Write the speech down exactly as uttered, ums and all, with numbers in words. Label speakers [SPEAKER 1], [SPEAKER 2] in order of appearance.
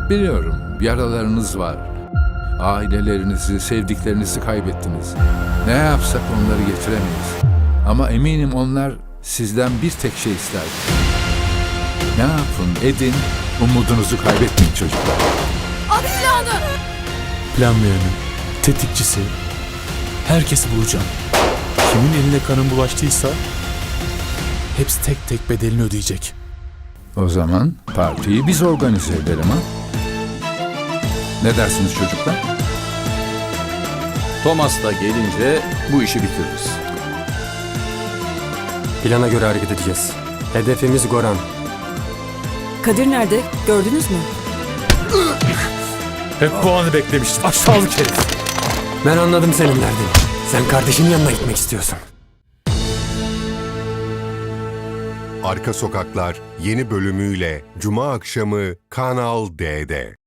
[SPEAKER 1] Biliyorum, yaralarınız var. Ailelerinizi, sevdiklerinizi kaybettiniz. Ne yapsak onları getiremeyiz. Ama eminim onlar sizden bir tek şey isterdi. Ne yapın, edin, umudunuzu kaybetmeyin çocuklar.
[SPEAKER 2] At silahını!
[SPEAKER 3] Planlayanı, tetikçisi, herkesi bulacağım. Kimin eline kanın bulaştıysa hepsi tek tek bedelini ödeyecek.
[SPEAKER 1] O zaman partiyi biz organize edelim ha? Ne dersiniz çocuklar?
[SPEAKER 4] Thomas da gelince bu işi bitiririz.
[SPEAKER 5] Plana göre hareket edeceğiz. Hedefimiz Goran.
[SPEAKER 2] Kadir nerede? Gördünüz mü?
[SPEAKER 3] Hep bu anı beklemiştim. Aşağılık herif.
[SPEAKER 5] Ben anladım senin derdini. Sen kardeşinin yanına gitmek istiyorsun.
[SPEAKER 6] Arka Sokaklar yeni bölümüyle Cuma akşamı Kanal D'de.